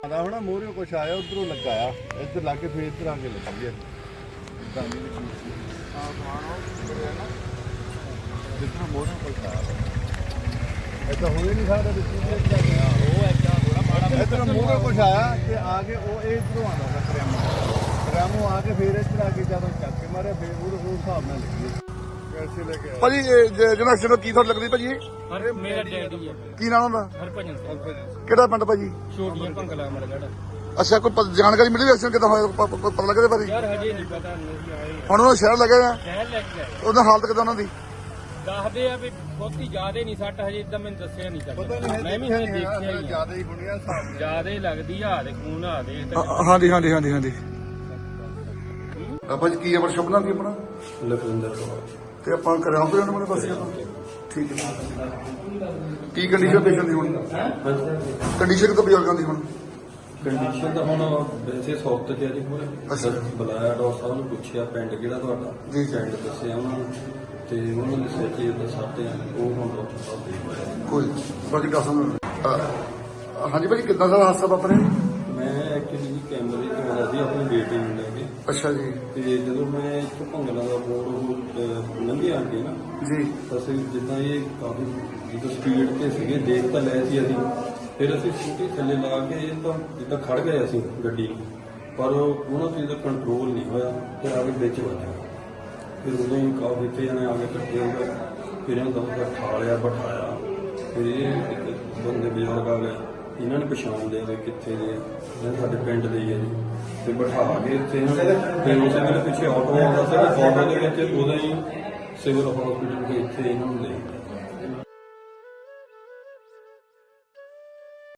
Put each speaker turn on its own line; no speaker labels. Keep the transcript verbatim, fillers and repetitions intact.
ਹੁਣ ਮੋਰਿਓ ਕੁਛ ਆਇਆ ਉਧਰੋਂ ਲੱਗਾ ਆ ਇੱਧਰ ਲਾ ਕੇ ਫਿਰ ਇੱਧਰ ਆ ਕੇ ਲੱਗੀ ਹੈ ਜਿੱਦਾਂ ਮੋਰਿਓ ਕੁਛ ਆਇਆ ਇੱਦਾਂ ਹੋਏ ਨਹੀਂ ਸਕਦਾ ਉਹ ਇੱਦਾਂ ਥੋੜਾ ਮਾੜਾ ਇੱਧਰ ਮੋਰਿਓ ਕੁਛ ਆਇਆ ਤੇ ਆ ਕੇ ਉਹ ਇਹ ਇੱਧਰੋਂ ਆਉਂਦਾ ਕਰੈਮੋ ਕਰੈਮੋ ਆ ਕੇ ਫਿਰ ਇੱਧਰ ਆ ਕੇ ਜਦੋਂ ਚੱਕ ਕੇ ਮਾਰਿਆ ਫਿਰ ਉਹ ਉਸ ਹਿਸਾਬ ਨਾਲ ਲੱਗੀ ਪੈਸੇ ਲੈ ਕੇ
ਭਾਜੀ ਜਿਹੜਾ ਐਕਸੀਡੈਂਟ ਕੀ ਤੁਹਾਡੀ ਲੱਗਦੀ ਭਾਜੀ?
ਹਰ ਮੇਰਾ ਡੈਡੀ ਹੈ।
ਕੀ ਨਾਮ ਹੁੰਦਾ?
ਹਰਭਜਨ ਸਿੰਘ।
ਕਿਹੜਾ ਪਿੰਡ ਭਾਜੀ?
ਛੋਟੀਆਂ ਭੰਗਲਾ ਮਰਗੜ।
ਅੱਛਾ, ਕੋਈ ਪ- ਜਾਣਕਾਰੀ ਮਿਲੀ ਐਕਸੀਡੈਂਟ ਕਿੱਦਾਂ ਹੋਇਆ? ਪ- ਪ- ਪਤਾ ਲੱਗਦੇ ਭਾਜੀ?
ਯਾਰ ਹਜੇ ਨਹੀਂ ਪਤਾ ਨਹੀਂ ਆਏ
ਹੁਣ ਉਹ ਸ਼ਹਿਰ ਲੱਗੇ ਆ,
ਸ਼ਹਿਰ ਲੈ ਕੇ ਆਏ
ਉਹਦਾ ਹਾਲਤ ਕਿੱਦਾਂ ਉਹਨਾਂ ਦੀ?
ਦੱਸਦੇ ਆ ਵੀ ਬਹੁਤੀ ਜ਼ਿਆਦੇ ਨਹੀਂ ਸੱਟ ਹਜੇ ਇਦਾਂ ਮੈਨੂੰ ਦੱਸਿਆ ਨਹੀਂ
ਪਤਾ
ਚੱਲਦਾ
ਨਹੀਂ
ਮੈਂ ਵੀ ਹਜੇ ਦੇਖਿਆ ਹੀ ਆ।
ਜਿਆਦਾ ਹੀ ਬੁਣੀਆਂ ਹਿਸਾਬ
ਜ਼ਿਆਦੇ ਲੱਗਦੀ ਆ ਦੇ ਖੂਨ ਆ ਦੇ
ਹਾਂ- ਹਾਂਜੀ ਹਾਂਜੀ ਹਾਂਜੀ ਹਾਂਜੀ ਆਪਾਂ ਜੀ ਕੀ ਆਪਣਾ ਸ਼ੁਭ ਨਾਮ ਕੀ ਆਪਣਾ?
ਲਖਵਿੰਦਰ ਕੌਰ।
ਤੇ ਆਪਾਂ ਕਰਾਂ ਤੋਂ ਉਹਨਾਂ ਪਾਸੇ ਠੀਕ ਹੈ। ਕੀ ਕੰਡੀਸ਼ਨ ਪੇਸ਼ੈਂਟ ਦੀ ਹੁਣ? ਕੰਡੀਸ਼ਨ ਤਾਂ ਬਜ਼ੁਰਗਾਂ ਦੀ ਹੁਣ?
ਕੰਡੀਸ਼ਨ ਤਾਂ ਹੁਣ ਵੈਸੇ ਸੌਫਟ ਤੇ ਆ ਜੀ ਪੂਰੇ।
ਅੱਛਾ।
ਬੁਲਾਇਆ ਡਾਕਟਰ ਸਾਹਿਬ ਨੂੰ, ਪੁੱਛਿਆ ਪਿੰਡ ਕਿਹੜਾ ਤੁਹਾਡਾ?
ਜੀ।
ਪਿੰਡ ਦੱਸਿਆ ਉਹਨਾਂ ਨੂੰ ਤੇ ਉਹਨਾਂ ਨੇ ਦੱਸਿਆ ਕਿ ਇਹਦਾ ਸਾਡੇ ਆ ਉਹ ਹੁਣ ਡਾਕਟਰ ਸਾਹਿਬ ਦੇ
ਕੋਈ ਬਾਕੀ ਦੱਸ ਦਿਓ। ਹਾਂਜੀ ਭਾਜੀ, ਕਿੱਦਾਂ ਦਾ ਹਾਦਸਾ ਵਾਪਰਿਆ?
ਮੈਂ ਐਕਚੁਅਲੀ ਕੈਮਰੇ ਤੋਂ ਆਇਆ ਸੀ ਆਪਣੀ ਬੇਟੀ ਨੂੰ ਲੈ ਕੇ
ਅੱਛਾ ਜੀ
ਤੇ ਜਦੋਂ ਮੈਂ ਇੱਥੋਂ ਭੰਗਲਾ ਦਾ ਬੋਰਡ ਉਹ ਲੰਘੇ ਆ ਕੇ ਨਾ
ਜੀ
ਅਸੀਂ ਜਿੱਦਾਂ ਇਹ ਕਾਫੀ ਜਦੋਂ ਸਪੀਡ ਤੇ ਸੀਗੇ ਦੇਖ ਤਾਂ ਲਏ ਸੀ ਅਸੀਂ, ਫਿਰ ਅਸੀਂ ਸਕੂਟੀ ਥੱਲੇ ਲਾ ਕੇ ਇਹ ਤਾਂ ਜਿੱਦਾਂ ਖੜ ਗਏ ਅਸੀਂ ਗੱਡੀ ਨੂੰ, ਪਰ ਉਹਨਾਂ ਤੋਂ ਇਹਦਾ ਕੰਟਰੋਲ ਨਹੀਂ ਹੋਇਆ ਫਿਰ ਆ ਕੇ ਵਿੱਚ ਵੱਜਿਆ। ਫਿਰ ਉਦੋਂ ਹੀ ਕਾਫੀ ਇੱਥੇ ਜਣੇ ਆ ਕੇ ਇਕੱਠੇ ਹੋ ਗਏ, ਫਿਰ ਇਹਨਾਂ ਦਾ ਠਾ ਲਿਆ ਬਿਠਾਇਆ। ਫਿਰ ਇਹ ਇੱਕ ਬੰਦੇ ਬਜ਼ੁਰਗ ਆ ਗਏ, ਇਹਨਾਂ ਨੇ ਪਛਾਣ ਲਿਆ ਵੀ ਕਿੱਥੇ ਦੇ ਆ, ਸਾਡੇ ਪਿੰਡ ਦੇ ਹੀ ਆ ਜੀ। ਤੇ ਬਿਠਾ ਕੇ ਇੱਥੇ ਫਿਰ ਉਸੇ ਵੇਲੇ ਪਿੱਛੇ ਆਟੋ ਆਉਂਦਾ ਸੀ, ਆਟੋ ਦੇ ਵਿੱਚ ਉਦੋਂ ਹੀ ਸਿਵਲ ਹਸਪੀਟਲ ਦੇ ਇੱਥੇ ਇਹਨਾਂ ਨੂੰ ਲੈ ਗਏ।